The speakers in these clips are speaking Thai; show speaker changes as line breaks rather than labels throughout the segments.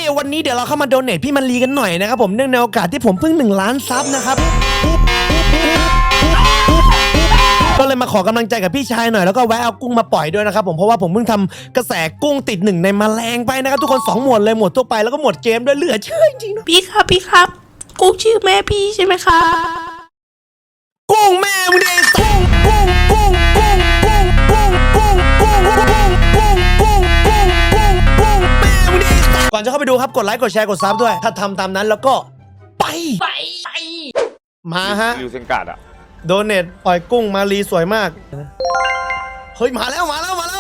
วันนี้เดี๋ยวเราเข้ามาโดเนทพี่มันลีกันหน่อยนะครับผมเนื่องในโอกาสที่ผมเพิ่ง1 ล้านซับนะครับก็เลยมาขอกำลังใจกับพี่ชายหน่อยแล้วก็แวะเอากุ้งมาปล่อยด้วยนะครับผมเพราะว่าผมเพิ่งทำกระแสกุ้งติด1ในแมลงไปนะครับทุกคน2 หมวดเลยหมวดทั่วไปแล้วก็หมวดเกมด้วยเหลือเชื่อจริงๆนะ
พี่ครับกุ๊กชื่อแม่พี่ใช่ไหมคะ
กุ้งแม่มึงเด็กกุ้งแม่มึงเด็กก่อนจะเข้าไปดูครับกดไลค์กดแชร์กดซับด้วยถ้าทำตามนั้นแล้วก็ไปมาฮะ
ริวเซนการ์ดอะ
โดเนทปล่อยกุ้งมาลีสวยมากเฮ้ยมาแล้ว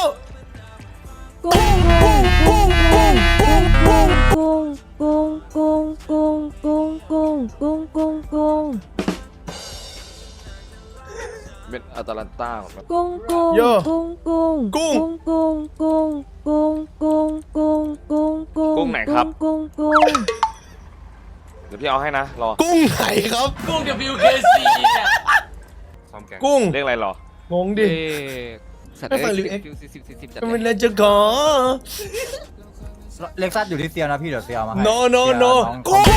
เป็นอัตแลนต้าของมัน
โย
กุ้งไหนครับเดี๋ยวพี่เอาให้นะรอ
กุ้งไหนครับ
กุ้ง WKC เนี่ย
กุ้ง
เรียกอะไรรอง
งดิ
ไม่ฟังลิวเอ็กซ์
ก็ไม่ได้จะขอ
เล็กซัสอยู่ที่เซียวนะพี่เดี๋ยวเซียวมาให้
no กุ้ง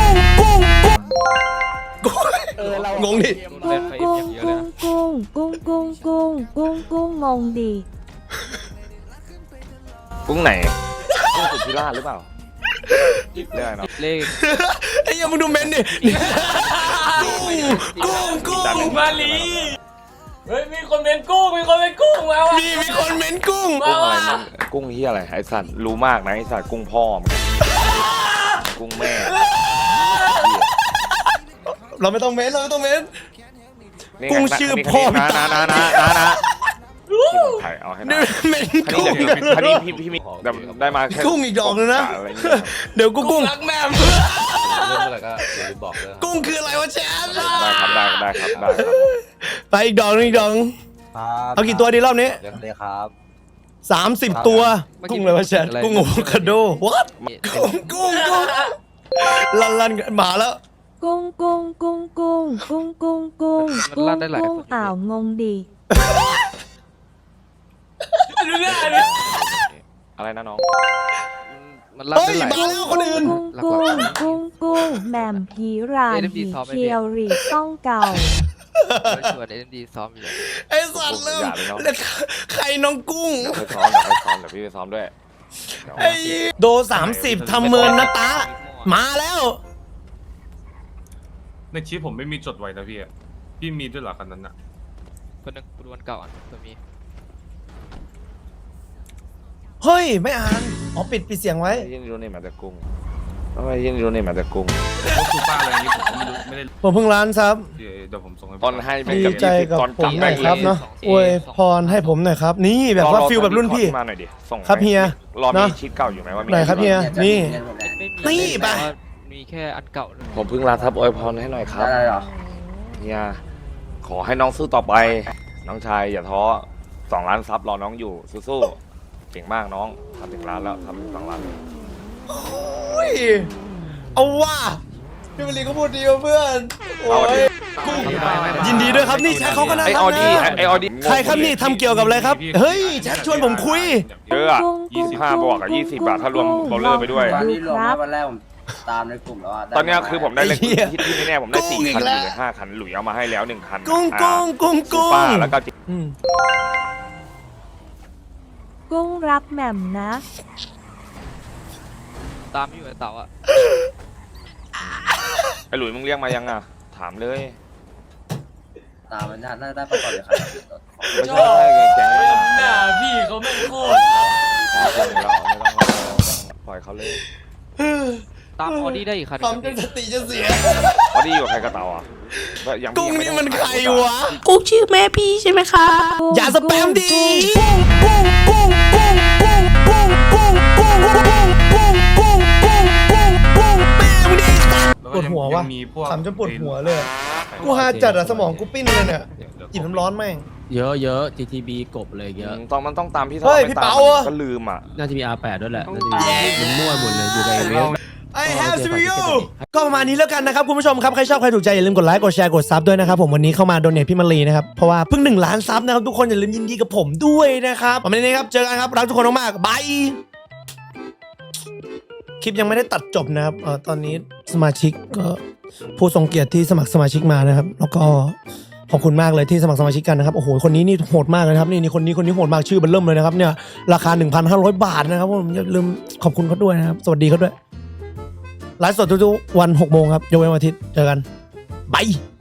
งงดิ
งงดิ
กุ้งไหนกุ้งสุธิราชหรือเปล่าเรียกอะไรเนาะ
เลข
ไอ้ยังมึงดูเมนดิกุ้ง
มาลีเฮ้ยมีคนเป็นกุ้งมาว่ะ
มีคนเมนกุ้ง
กุ้งอะไรมันกุ้งเฮียอะไรไอสัตว์รู้มากนะไอสัตว์กุ้งพ่อมึงกุ้งแม่
เราไม่ต้องเมน
นี่
กุ้งชื่อพ่อพี่
นะ
ตา
นะที่ผมถ่ายเอาให้นะ
เมน
คัน
กุ้ง
นี้คันนี้พี่มีได้มาแค่
กุ้งอีกดอกนึงนะ
อะไรเงี้ย
เดี๋ยวกุ้ง
รักแม่
เรื่องอะไรก็อย่าลืมบอกเลย
กุ้งคืออะไรวะแชมป์
ได้ครับได้ครับ
ไปอีกดอกนึง
ครับ
เอากี่ตัวดีรอบนี้
เลยครับ
30 ตัวกุ้งเลยวะแชมป์กุ้งโอคาโด what กุ้งลันมาแล้ว
อ้าวงงดิ
ดูหน้าดิ
อะไรนะน้อง
มันรับ
เฮ้ย
ได้หลาย
มาแล้วคนอื่น
กุ้งแหม่มผีรานผีเคียวรีต้องเก่า
ชวนAMDซ้อมอยู่
ไอ้สัตว์เริ่มแล้วใครน้องกุ้ง
เดี๋ยวไปซ้อมเดี๋ยวพี่ไปซ้อมด้วย
ไอ้โด30ทำเมินนะตามาแล้ว
ในชีพผมไม่มีจดไว้นะพี่อะพี่มีด้วยเหรอคันนั้นอะ
คนนึงดูวันเก่าอ่ะตัวมี
เฮ้ยไม่อ่านอ๋อปิดเสียงไว้
ยินดีนี่มาแต่กุ้งทำไมยินดีนี่มาแต่กุ้ง
พวกซูเปอร์อะไรอย่างงี้ผมไม่ได้
ผมเพิ่งร้านซับ
เดี๋ยวผมส่งให้
ตอนให้เป็น
ดี
กับ
ใจกับ
ตอน
ผมหน่อยครับเนาะอวยพรให้ผมหน่อยครับ นี่แบบว่าฟิลแบบรุ่นพี่
มาหน่อยดิส่ง
ครับเฮีย
รอ
เน
มี
อะ
ชีตเก่าอยู่ไหมว่ามี
ไหนครับเฮียนี่
ไม่
นี่
มี
ไป
มีแค่อันเก่าเลย
ผมเพิ่งลาทับอวยพรให้หน่อยครับ
ได้เหรอ
เฮียขอให้น้องสู้ต่อไป น้องชายอย่าท้อ2 ล้านซับรอน้องอยู่สู้ๆเก่งมากน้องทำถึงล้านแล้วทำถึง2 ล้าน
เฮ้ยเอาว่าพี่มารีก็พูดดีว่ะเพื่อนโอ้ยกุ้งยินดีด้วยครับนี่แชทเขาก็น่า
ไอ
รั
อก ดี้
นะ
ไอออดี้
ใครครับนี่ทำเกี่ยวกับอะไรครับเฮ้ยแชทชวนผมคุย
เยอะอะ25 บวกกับ20 บาทถ้ารวมเบลเลอร์ไปด้วย
วันนี้รวมนะวันแรกผมตามในกลุ่มแล้วะ
ตอนเนี้ยคือผมได้เลข
ไอ้เหี้ย
ที่แน่ๆผมได้
กุ้งอี
4
ก
คัน
แล้
อ
ว
ยู่เลย5 คันหลุยเอามาให้แล้ว1 คัน
กุ้ง
ซูเปอร์แล้วก็
อืม
กุ้งรักแหม่มนะ
ตามอยู่ไอ้เต่าอ่ะ
ไอหลุยมึงเรียกมายังอ่ะถามเลย
ตามมันน่าได้ประกอบเลยครับ
ไม่ใช่แก๊งไม่
หน้าพี่เขาไม่โคตร
ปล่อยเขาเลย
ตามออดี้ได้อีกคัน
ทำจนสติจะเสีย
ออดี้อยู่ใครกระเต่าอ่ะ
กุ้งนี่มันใครวะ
กุ๊กชื่อแม่พี่ใช่ไหมคะ
อย่าสแปมดิปวดหัววะขำจนปวดหัวเลยกูหาจัดอะสมองกูปิ้นเลยเนี่ยกินน้ำร้อนแม่ง
เยอะ GTB กบเลยเยอะ
ตอนมันต้องตามพี่
เฮ้ยพี่เปาอะ
ก็ลืมอ่ะ
น่าจะมี R8 ด้วยแหละน่าจะมีมันมั่วหมดเลยอยู่ในเวฟ
I have CPU ก็ประมาณนี้แล้วกันนะครับคุณผู้ชมครับใครชอบใครถูกใจอย่าลืมกดไลค์กดแชร์กดซับด้วยนะครับผมวันนี้เข้ามาโดเนทพี่มารีนะครับเพราะว่าเพิ่ง1 ล้านซับนะครับทุกคนอย่าลืมยินดีกับผมด้วยนะครับวันนี้นะครับเจอกันครับรักทุกคนมากๆบายคลิปยังไม่ได้ตัดจบนะครับตอนนี้สมาชิกก็ผู้ทรงเกียรติที่สมัครสมาชิกมานะครับ แล้วก็ขอบคุณมากเลยที่สมัครสมาชิกกันนะครับโอ้โหคนนี้นี่โหดมากเลยนะครับนี่คนนี้โหดมากชื่อเบิ่มเริ่มเลยนะครับเนี่ยราคา 1,500 บาทนะครับผมอย่าลืมขอบคุณเขาด้วยนะครับสวัสดีเขาด้วยไลฟ์สดทุกๆวัน 6 โมงครับยกเว้นวันอาทิตย์เจอกันบาย